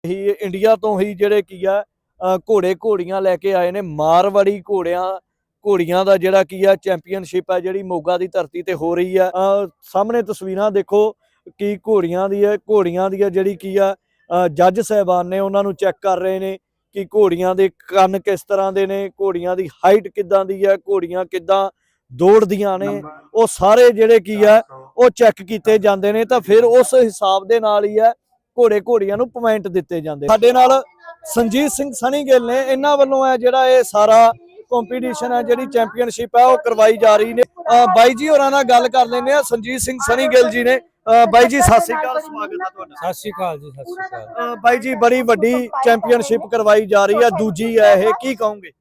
ਹੀ India ਤੋਂ ਹੀ ਜਿਹੜੇ ਕੀ ਆ ਘੋੜੇ ਘੋੜੀਆਂ ਲੈ ਕੇ ਆਏ ਨੇ। ਮਾਰਵਾੜੀ ਘੋੜੀਆਂ ਦਾ ਜਿਹੜਾ ਕੀ ਆ ਚੈਂਪੀਅਨਸ਼ਿਪ ਹੈ ਜਿਹੜੀ ਮੋਗਾ ਦੀ ਧਰਤੀ ਤੇ ਹੋ ਰਹੀ ਆ। ਸਾਹਮਣੇ ਤਸਵੀਰਾਂ ਦੇਖੋ ਕਿ ਘੋੜੀਆਂ ਦੀ ਜਿਹੜੀ ਕੀ ਆ ਜੱਜ ਸਾਹਿਬਾਨ ਨੇ ਉਹਨਾਂ ਨੂੰ ਚੈੱਕ ਕਰ ਰਹੇ ਨੇ ਕਿ ਘੋੜੀਆਂ ਦੇ ਕੰਨ ਕਿਸ ਤਰ੍ਹਾਂ ਦੇ ਨੇ, ਘੋੜੀਆਂ ਦੀ ਹਾਈਟ ਕਿੱਦਾਂ ਦੀ ਹੈ, ਘੋੜੀਆਂ ਕਿੱਦਾਂ ਦੌੜਦੀਆਂ ਨੇ, ਉਹ ਸਾਰੇ ਜਿਹੜੇ ਕੀ ਆ ਉਹ ਚੈੱਕ ਕੀਤੇ ਜਾਂਦੇ ਨੇ। ਤਾਂ ਫਿਰ ਉਸ ਹਿਸਾਬ ਦੇ ਨਾਲ ਹੀ ਹੈ ਘੋੜੀਆਂ ਨੂੰ ਪੁਆਇੰਟ ਦਿੱਤੇ ਜਾਂਦੇ। ਸਾਡੇ ਨਾਲ ਸੰਜੀਤ ਸਿੰਘ ਸਨੀ ਗਿੱਲ ਨੇ, ਇਹਨਾਂ ਵੱਲੋਂ ਹੈ ਜਿਹੜਾ ਇਹ ਸਾਰਾ ਕੰਪੀਟੀਸ਼ਨ ਹੈ ਜਿਹੜੀ ਚੈਂਪੀਅਨਸ਼ਿਪ ਹੈ ਉਹ ਕਰਵਾਈ ਜਾ ਰਹੀ ਨੇ। ਬਾਈ ਜੀ ਹੋਰਾਂ ਨਾਲ ਗੱਲ ਕਰ ਲੈਂਦੇ ਆ। ਸੰਜੀਤ ਸਿੰਘ ਸਨੀ ਗਿੱਲ ਜੀ ਨੇ। ਬਾਈ ਜੀ ਸਤਿ ਸ੍ਰੀ ਅਕਾਲ, ਸਵਾਗਤ ਹੈ ਤੁਹਾਡਾ। ਸਤਿ ਸ਼੍ਰੀ ਅਕਾਲ ਜੀ, ਸਤਿ ਸ਼੍ਰੀ ਅਕਾਲ। ਬਾਈ ਜੀ ਬੜੀ ਵੱਡੀ ਚੈਂਪੀਅਨਸ਼ਿਪ ਕਰਵਾਈ ਜਾ ਰਹੀ ਹੈ, ਦੂਜੀ ਹੈ ਇਹ, ਕੀ ਕਹੋਗੇ?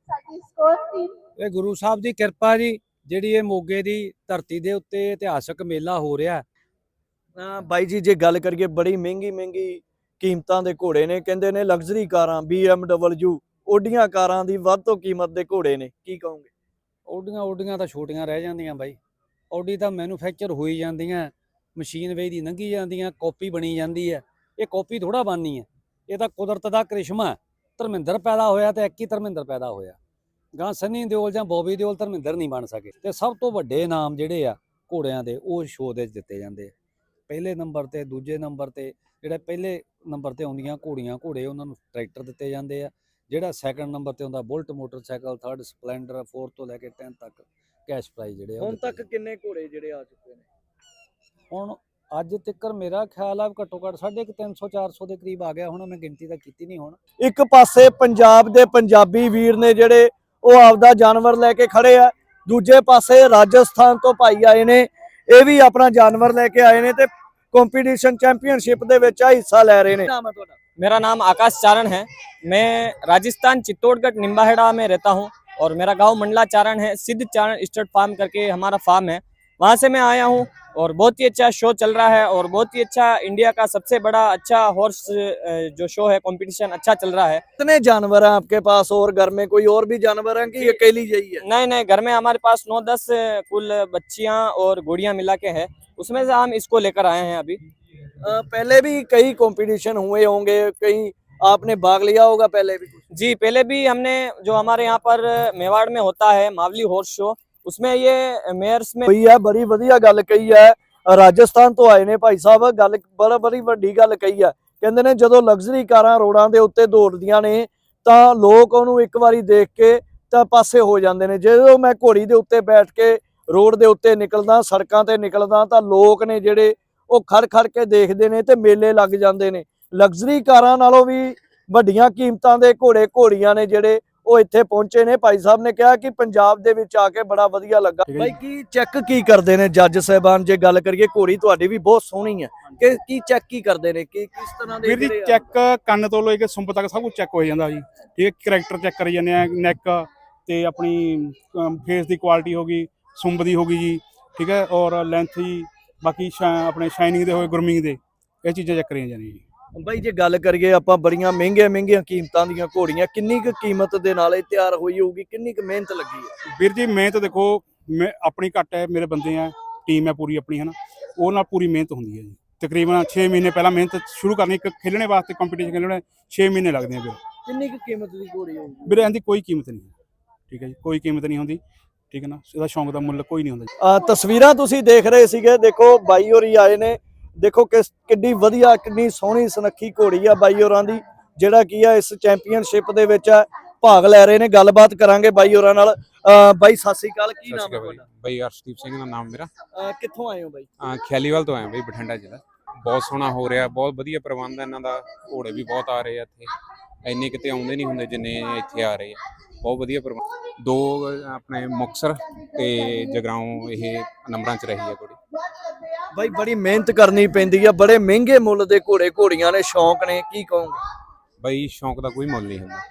ਇਹ ਗੁਰੂ ਸਾਹਿਬ ਦੀ ਕਿਰਪਾ ਜੀ, ਜਿਹੜੀ ਇਹ ਮੋਗੇ ਦੀ ਧਰਤੀ ਦੇ ਉੱਤੇ ਇਤਿਹਾਸਕ ਮੇਲਾ ਹੋ ਰਿਹਾ। ਬਾਈ ਜੀ ਜੇ ਗੱਲ ਕਰੀਏ ਬੜੀ ਮਹਿੰਗੀ ਕੀਮਤਾਂ ਦੇ ਘੋੜੇ ਨੇ, ਕਹਿੰਦੇ ਨੇ ਲਗਜ਼ਰੀ ਕਾਰਾਂ BMW ਓਡੀਆਂ ਕਾਰਾਂ ਦੀ ਵੱਧ ਤੋਂ ਕੀਮਤ ਦੇ ਘੋੜੇ ਨੇ, ਕੀ ਕਹੋਗੇ? ਓਡੀਆਂ ਤਾਂ ਛੋਟੀਆਂ ਰਹਿ ਜਾਂਦੀਆਂ ਬਾਈ। ਓਡੀ ਤਾਂ ਮੈਨੂਫੈਕਚਰ ਹੋਈ ਜਾਂਦੀਆਂ, ਮਸ਼ੀਨ ਵੇਚ ਦੀ ਲੰਘੀ ਜਾਂਦੀਆਂ, ਕਾਪੀ ਬਣੀ ਜਾਂਦੀ ਹੈ। ਇਹ ਕਾਪੀ ਥੋੜਾ ਬਣਨੀ ਹੈ, ਇਹ ਤਾਂ ਕੁਦਰਤ ਦਾ ਕ੍ਰਿਸ਼ਮਾ। ਧਰਮਿੰਦਰ ਪੈਦਾ ਹੋਇਆ ਤੇ ਇੱਕ ਹੀ ਧਰਮਿੰਦਰ ਪੈਦਾ ਹੋਇਆ। ਗਾਂ ਸਨੀ ਦਿਓਲ ਜਾਂ ਬੋਬੀ ਦਿਓਲ ਧਰਮਿੰਦਰ ਨਹੀਂ ਬਣ ਸਕੇ। ਤੇ ਸਭ ਤੋਂ ਵੱਡੇ ਇਨਾਮ ਜਿਹੜੇ ਆ ਘੋੜਿਆਂ ਦੇ ਉਹ ਸ਼ੋਅ ਦੇ ਦਿੱਤੇ ਜਾਂਦੇ ਆ। ਪਹਿਲੇ ਨੰਬਰ ਤੇ, ਦੂਜੇ ਨੰਬਰ ਤੇ, ਜਿਹੜੇ ਪਹਿਲੇ ਨੰਬਰ ਤੇ ਆਉਂਦੀਆਂ ਘੋੜੇ ਉਹਨਾਂ ਨੂੰ ਟਰੈਕਟਰ ਦਿੱਤੇ ਜਾਂਦੇ ਆ। ਜਿਹੜਾ ਸੈਕੰਡ ਨੰਬਰ ਤੇ ਆਉਂਦਾ ਬੁਲਟ ਮੋਟਰਸਾਈਕਲ, ਥਰਡ ਸਪਲੈਂਡਰ, 4 ਤੋਂ ਲੈ ਕੇ 10 ਤੱਕ ਕੈਸ਼ ਪ੍ਰਾਈਜ਼ ਜਿਹੜੇ ਹੁਣ ਤੱਕ ਕਿੰਨੇ ਘੋੜੇ ਜਿਹੜੇ ਆ ਚੁੱਕੇ ਨੇ? ਹੁਣ ਅੱਜ ਤੱਕ ਮੇਰਾ ਖਿਆਲ ਆ ਘੱਟੋ ਘੱਟ 350-400 ਦੇ ਕਰੀਬ ਆ ਗਿਆ ਹੁਣ। ਮੈਂ ਗਿਣਤੀ ਤਾਂ ਕੀਤੀ ਨਹੀਂ। ਹੁਣ ਇੱਕ ਪਾਸੇ ਪੰਜਾਬ ਦੇ ਪੰਜਾਬੀ ਵੀਰ ਨੇ ਜਿਹੜੇ ਉਹ ਆਪਦਾ ਜਾਨਵਰ ਲੈ ਕੇ ਖੜੇ ਆ, ਦੂਜੇ ਪਾਸੇ ਰਾਜਸਥਾਨ ਤੋਂ ਭਾਈ ਆਏ ਨੇ, ਇਹ ਵੀ ਆਪਣਾ ਜਾਨਵਰ ਲੈ ਕੇ ਆਏ ਨੇ ਤੇ ਕੰਪੀਟੀਸ਼ਨ ਚੈਂਪੀਅਨਸ਼ਿਪ ਦੇ ਵਿੱਚ ਹਿੱਸਾ ਲੈ ਰਹੇ ਨੇ। ਨਾਮ ਹੈ ਤੁਹਾਡਾ? मेरा नाम आकाश चारण है। मैं राजस्थान चित्तौड़गढ़ निम्बाहेड़ा में रहता हूं और मेरा गांव मंडला चारण है। सिद्ध चारण स्टड फार्म करके हमारा फार्म है, वहां से मैं आया हूं और बहुत ही अच्छा शो चल रहा है और बहुत ही अच्छा इंडिया का सबसे बड़ा अच्छा हॉर्स जो शो है कंपटीशन अच्छा चल रहा है। कितने जानवर हैं आपके पास और घर में कोई और भी जानवर हैं कि अकेली यही है? नहीं, घर में हमारे पास 9-10 कुल बच्चियां और घोड़ियां मिला के है, उसमें से हम इसको लेकर आए हैं अभी। पहले भी कई कंपटीशन हुए होंगे, कहीं आपने भाग लिया होगा पहले भी? जी पहले भी हमने, जो हमारे यहाँ पर मेवाड़ में होता है मावली हॉर्स शो, उसमें ये मेयर्स में ਹੋਈ ਹੈ। ਬੜੀ ਵਧੀਆ ਗੱਲ ਕਹੀ ਹੈ। ਰਾਜਸਥਾਨ ਤੋਂ ਆਏ ਨੇ ਭਾਈ ਸਾਹਿਬ, ਗੱਲ ਬੜੀ ਵੱਡੀ ਗੱਲ ਕਹੀ ਹੈ। ਕਹਿੰਦੇ ਨੇ ਜਦੋਂ ਲਗਜ਼ਰੀ ਕਾਰਾਂ ਰੋਡਾਂ ਦੇ ਉੱਤੇ ਦੌੜਦੀਆਂ ਨੇ ਤਾਂ ਲੋਕ ਉਹਨੂੰ ਇੱਕ ਵਾਰੀ ਦੇਖ ਕੇ ਤਾਂ ਪਾਸੇ ਹੋ ਜਾਂਦੇ ਨੇ। ਜਦੋਂ ਮੈਂ ਘੋੜੀ ਦੇ ਉੱਤੇ ਬੈਠ ਕੇ ਰੋਡ ਦੇ ਉੱਤੇ ਨਿਕਲਦਾ, ਸੜਕਾਂ ਤੇ ਨਿਕਲਦਾ, ਤਾਂ ਲੋਕ ਨੇ ਜਿਹੜੇ ਉਹ ਖੜ ਕੇ ਦੇਖਦੇ ਨੇ ਤੇ ਮੇਲੇ ਲੱਗ ਜਾਂਦੇ ਨੇ। ਲਗਜ਼ਰੀ ਕਾਰਾਂ ਨਾਲੋਂ ਵੀ ਵੱਡੀਆਂ ਕੀਮਤਾਂ ਦੇ ਘੋੜੀਆਂ ਨੇ ਜਿਹੜੇ ਉਹ ਇੱਥੇ ਪਹੁੰਚੇ ਨੇ। ਭਾਈ ਸਾਹਿਬ ਨੇ ਕਿਹਾ ਕਿ ਪੰਜਾਬ ਦੇ ਵਿੱਚ ਆ ਕੇ ਬੜਾ ਵਧੀਆ ਲੱਗਾ। ਭਾਈ ਕੀ ਚੈੱਕ ਕੀ ਕਰਦੇ ਨੇ ਜੱਜ ਸਾਹਿਬਾਨ? ਜੇ ਗੱਲ ਕਰੀਏ ਘੋੜੀ ਤੁਹਾਡੀ ਵੀ ਬਹੁਤ ਸੋਹਣੀ ਹੈ, ਕਿ ਕੀ ਚੈੱਕ ਕੀ ਕਰਦੇ ਨੇ, ਕਿ ਕਿਸ ਤਰ੍ਹਾਂ ਦੇ? ਵੀਰ ਜੀ ਚੈੱਕ ਕੰਨ ਤੋਂ ਲੈ ਕੇ ਸੁੰਬ ਤੱਕ ਸਭ ਕੁਝ ਚੈੱਕ ਹੋ ਜਾਂਦਾ ਜੀ। ਠੀਕ ਹੈ, ਕਰੈਕਟਰ ਚੈੱਕ ਕਰੀ ਜਾਂਦੇ ਆ, ਨੈਕ ਤੇ ਆਪਣੀ ਫੇਸ ਦੀ ਕੁਆਲਿਟੀ ਹੋ ਗਈ, ਸੁੰਬ ਦੀ ਹੋ ਗਈ ਜੀ, ਠੀਕ ਹੈ, ਔਰ ਲੈਂਥ ਜੀ, ਬਾਕੀ ਆਪਣੇ ਸ਼ਾਈਨਿੰਗ ਦੇ ਹੋਏ, ਗਰੂਮਿੰਗ ਦੇ, ਇਹ ਚੀਜ਼ਾਂ ਚੈੱਕ ਕਰੀਆਂ ਜਾਂਦੀਆਂ ਜੀ। ਬਾਈ ਜੇ ਗੱਲ ਕਰੀਏ ਆਪਾਂ ਬੜੀਆਂ ਮਹਿੰਗੀਆਂ ਕੀਮਤਾਂ ਦੀਆਂ ਘੋੜੀਆਂ, ਕਿੰਨੀ ਕੁ ਕੀਮਤ ਦੇ ਨਾਲ ਇਹ ਤਿਆਰ ਹੋਈ ਹੋਊਗੀ, ਕਿੰਨੀ ਕੁ ਮਿਹਨਤ ਲੱਗੀ ਹੈ? ਵੀਰ ਜੀ ਮਿਹਨਤ ਦੇਖੋ, ਮੈਂ ਆਪਣੀ ਘੱਟ ਹੈ, ਮੇਰੇ ਬੰਦੇ ਆ, ਟੀਮ ਹੈ ਪੂਰੀ ਆਪਣੀ, ਹੈ ਨਾ, ਉਹ ਨਾਲ ਪੂਰੀ ਮਿਹਨਤ ਹੁੰਦੀ ਹੈ ਜੀ। ਤਕਰੀਬਨ 6 ਮਹੀਨੇ ਪਹਿਲਾਂ ਮਿਹਨਤ ਸ਼ੁਰੂ ਕਰਨੀ, ਇੱਕ ਖੇਲਣੇ ਵਾਸਤੇ ਕੰਪੀਟੀਸ਼ਨ ਖੇਲਣੇ 6 ਮਹੀਨੇ ਲੱਗਦੇ ਆ। ਫਿਰ ਕਿੰਨੀ ਕੁ ਕੀਮਤ ਦੀ ਘੋੜੀ ਹੋਊਗੀ? ਵੀਰੇ ਇਹਦੀ ਕੋਈ ਕੀਮਤ ਨਹੀਂ ਹੈ, ਠੀਕ ਹੈ ਜੀ, ਕੋਈ ਕੀਮਤ ਨਹੀਂ ਹੁੰਦੀ, ਠੀਕ ਹੈ ਨਾ, ਇਹਦਾ ਸ਼ੌਂਕ ਦਾ ਮੁੱਲ ਕੋਈ ਨਹੀਂ ਹੁੰਦਾ। ਤਸਵੀਰਾਂ ਤੁਸੀਂ ਦੇਖ ਰਹੇ ਸੀਗੇ, ਦੇਖੋ ਬਾਈ ਹੋਰੀ ਆਏ ਨੇ, ਦੇਖੋ ਕਿੰਨੀ ਵਧੀਆ, ਕਿੰਨੀ ਸੋਹਣੀ ਸੁਨੱਖੀ ਘੋੜੀ ਆ ਬਾਈ ਹੋਰਾਂ ਦੀ, ਜਿਹੜਾ ਕੀ ਆ ਇਸ ਚੈਂਪੀਅਨਸ਼ਿਪ ਦੇ ਵਿੱਚ ਭਾਗ ਲੈ ਰਹੇ ਨੇ। ਗੱਲਬਾਤ ਕਰਾਂਗੇ ਬਾਈ ਹੋਰਾਂ ਨਾਲ। ਬਾਈ ਸਤਿ ਸ੍ਰੀ ਅਕਾਲ, ਕੀ ਨਾਮ ਹੈ ਤੁਹਾਡਾ? ਬਾਈ ਅਰਸ਼ਦੀਪ ਸਿੰਘ ਦਾ ਨਾਮ ਮੇਰਾ। ਕਿੱਥੋਂ ਆਏ ਹੋ ਬਾਈ? ਖਿਆਲੀਵਾਲ ਤੋਂ ਆਏ ਬਾਈ, ਬਠਿੰਡਾ ਜ਼ਿਲ੍ਹਾ। ਬਹੁਤ ਸੋਹਣਾ ਹੋ ਰਿਹਾ, ਬਹੁਤ ਵਧੀਆ ਪ੍ਰਬੰਧ ਹੈ ਇਹਨਾਂ ਦਾ, ਘੋੜੇ ਵੀ ਬਹੁਤ ਆ ਰਹੇ ਆ ਇੱਥੇ, ਇੰਨੇ ਕਿਤੇ ਆਉਂਦੇ ਨਹੀਂ ਹੁੰਦੇ ਜਿੰਨੇ ਇੱਥੇ ਆ ਰਹੇ ਆ। ਬਹੁਤ ਵਧੀਆ ਪ੍ਰਬੰਧ। 2 ਆਪਣੇ ਮੁਕਤਸਰ ਤੇ ਜਗਰਾਉਂ ਇਹ ਨੰਬਰਾਂ 'ਚ ਰਹੀ ਹੈ ਘੋੜੀ। ਬਾਈ ਬੜੀ ਮਿਹਨਤ ਕਰਨੀ ਪੈਂਦੀ ਆ, ਬੜੇ ਮਹਿੰਗੇ ਮੁੱਲ ਦੇ ਘੋੜੀਆਂ ਨੇ, ਸ਼ੌਂਕ ਨੇ, ਕੀ ਕਹੋਗੇ? ਬਾਈ ਸ਼ੌਂਕ ਦਾ ਕੋਈ ਮੁੱਲ ਨਹੀਂ ਹੁੰਦਾ।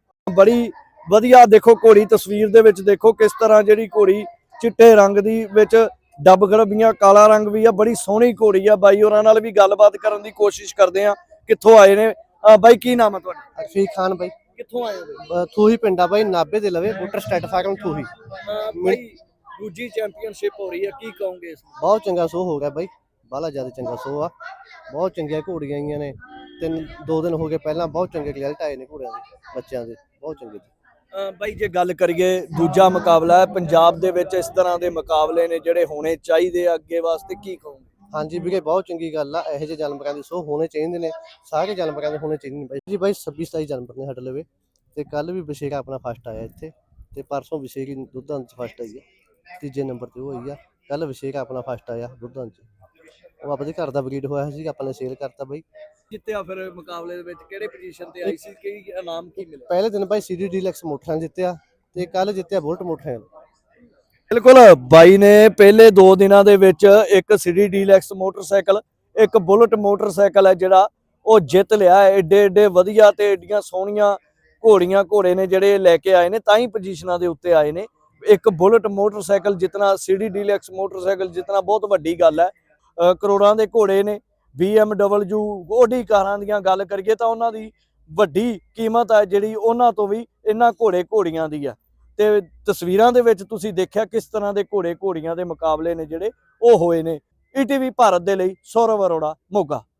ਬੜੀ ਵਧੀਆ ਦੇਖੋ ਘੋੜੀ, ਤਸਵੀਰ ਦੇ ਵਿੱਚ ਦੇਖੋ ਕਿਸ ਤਰ੍ਹਾਂ ਜਿਹੜੀ ਘੋੜੀ ਚਿੱਟੇ ਰੰਗ ਦੀ ਵਿੱਚ ਡੱਬ ਗਰਬੀਆਂ, ਕਾਲਾ ਰੰਗ ਵੀ ਆ, ਬੜੀ ਸੋਹਣੀ ਘੋੜੀ ਆ। ਬਾਈ ਹੋਰਾਂ ਨਾਲ ਵੀ ਗੱਲਬਾਤ ਕਰਨ ਦੀ ਕੋਸ਼ਿਸ਼ ਕਰਦੇ ਆ, ਕਿੱਥੋਂ ਆਏ ਨੇ। ਬਾਈ ਕੀ ਨਾਮ ਹੈ ਤੁਹਾਡਾ? ਅਰਫੀਕ ਖਾਨ ਬਾਈ। ਕਿੱਥੋਂ ਆਏ ਹੋ? ਥੂਹੀ ਪਿੰਡਾ ਬਾਈ, ਨਾਭੇ ਦੇ ਲਵੇ ਬੁੱਟਰ ਸਟੇਟ ਫਾਰਮ ਥੂਹੀ। ਬਾਈ ਦੂਜੀ ਚੈਂਪੀਅਨਸ਼ਿਪ ਹੋ ਰਹੀ ਹੈ, ਕੀ ਕਹੋਗੇ ਇਸ? ਬਹੁਤ ਚੰਗਾ ਸ਼ੋਅ ਹੋ ਗਿਆ ਬਾਈ, ਬਾਹਲਾ ਜ਼ਿਆਦਾ ਚੰਗਾ ਸ਼ੋਅ ਆ, ਬਹੁਤ ਚੰਗੀਆਂ ਘੋੜੀਆਂ ਆਈਆਂ ਨੇ, ਦੋ ਦਿਨ ਹੋ ਗਏ ਪਹਿਲਾਂ ਬਹੁਤ ਚੰਗੇ ਰਿਜ਼ਲਟ ਆਏ ਨੇ ਘੋੜਿਆਂ ਦੇ ਬੱਚਿਆਂ ਦੇ ਬਹੁਤ ਚੰਗੇ ਜੀ। ਬਾਈ ਜੇ ਗੱਲ ਕਰੀਏ ਦੂਜਾ ਮੁਕਾਬਲਾ ਹੈ ਪੰਜਾਬ ਦੇ ਵਿੱਚ, ਇਸ ਤਰ੍ਹਾਂ ਦੇ ਮੁਕਾਬਲੇ ਨੇ ਜਿਹੜੇ ਹੋਣੇ ਚਾਹੀਦੇ ਆ ਅੱਗੇ ਵਾਸਤੇ, ਕੀ ਕਹੋਗੇ? ਹਾਂਜੀ ਵੀਰੇ ਬਹੁਤ ਚੰਗੀ ਗੱਲ ਆ, ਇਹੋ ਜਿਹੇ ਜਾਨਵਰਾਂ ਦੇ ਸ਼ੋਅ ਹੋਣੇ ਚਾਹੀਦੇ ਨੇ, ਸਾਰੇ ਜਾਨਵਰਾਂ ਦੇ ਹੋਣੇ ਚਾਹੀਦੇ ਨੇ ਬਾਈ ਜੀ। ਬਾਈ 26-27 ਜਾਨਵਰ ਨੇ ਸਾਡੇ ਲਵੇ ਤੇ ਕੱਲ ਵੀ ਬਸ਼ੇਰਾ ਆਪਣਾ ਫਸਟ ਆਇਆ ਇੱਥੇ ਤੇ ਪਰਸੋਂ ਬਸ਼ੇਰੀ ਦੁੱਧਾਂ 'ਚ ਫਸਟ ਆਈ ਆ, ਤੀਜੇ ਨੰਬਰ ਤੇ ਉਹ ਹੋਈ ਆ। ਕੱਲ ਬਸ਼ੇਰਾ ਆਪਣਾ ਫਸਟ ਆਇਆ ਦੁੱਧਾਂ 'ਚ, ਉਹ ਆਪਣੇ ਘਰ ਦਾ ਬਰੀਡ ਹੋਇਆ ਸੀ, ਆਪਾਂ ਨੇ ਸੇਲ ਕਰਤਾ ਬਾਈ। ਜਿੱਤਿਆ ਫਿਰ ਮੁਕਾਬਲੇ ਦੇ ਵਿੱਚ ਕਿਹੜੇ ਪੋਜੀਸ਼ਨ ਤੇ ਆਈ ਸੀ, ਕੀ ਇਨਾਮ ਕੀ ਮਿਲਿਆ? ਪਹਿਲੇ ਦਿਨ ਬਾਈ CD ਡੀਲੈਕਸ ਮੋਟਰਸਾਈਕਲ ਜਿੱਤਿਆ ਤੇ ਕੱਲ ਜਿੱਤਿਆ ਬੁਲਟ ਮੋਟਰਸਾਈਕਲ। ਬਿਲਕੁਲ, ਬਾਈ ਨੇ ਪਹਿਲੇ 2 ਦਿਨਾਂ ਦੇ ਵਿੱਚ ਇੱਕ CD ਡੀਲੈਕਸ ਮੋਟਰਸਾਈਕਲ, ਇੱਕ ਬੁਲਟ ਮੋਟਰਸਾਈਕਲ ਹੈ ਜਿਹੜਾ ਉਹ ਜਿੱਤ ਲਿਆ ਹੈ। ਏਡੇ ਏਡੇ ਵਧੀਆ ਤੇ ਏਡੀਆਂ ਸੋਹਣੀਆਂ ਘੋੜੇ ਨੇ ਜਿਹੜੇ ਲੈ ਕੇ ਆਏ ਨੇ, ਤਾਂ ਹੀ ਪੋਜੀਸ਼ਨਾਂ ਦੇ ਉੱਤੇ ਆਏ ਨੇ। ਇੱਕ ਬੁਲਟ ਮੋਟਰਸਾਈਕਲ ਜਿੱਤਣਾ, CD ਡੀਲੈਕਸ ਮੋਟਰਸਾਈਕਲ ਜਿੱਤਣਾ ਬਹੁਤ ਵੱਡੀ ਗੱਲ ਹੈ। ਕਰੋੜਾਂ ਦੇ ਘੋੜੇ ਨੇ, BMW ਓਡੀ ਕਾਰਾਂ ਦੀਆਂ ਗੱਲ ਕਰੀਏ ਤਾਂ ਉਹਨਾਂ ਦੀ ਵੱਡੀ ਕੀਮਤ ਹੈ ਜਿਹੜੀ ਉਹਨਾਂ ਤੋਂ ਵੀ ਇਹਨਾਂ ਘੋੜੀਆਂ ਦੀ ਆ। ਤੇ ਤਸਵੀਰਾਂ ਦੇ ਵਿੱਚ ਤੁਸੀਂ ਦੇਖਿਆ ਕਿਸ ਤਰ੍ਹਾਂ ਦੇ ਘੋੜੀਆਂ ਦੇ ਮੁਕਾਬਲੇ ਨੇ ਜਿਹੜੇ ਉਹ ਹੋਏ ਨੇ। ETV ਭਾਰਤ ਦੇ ਲਈ ਸੌਰਵ ਅਰੋੜਾ, ਮੋਗਾ।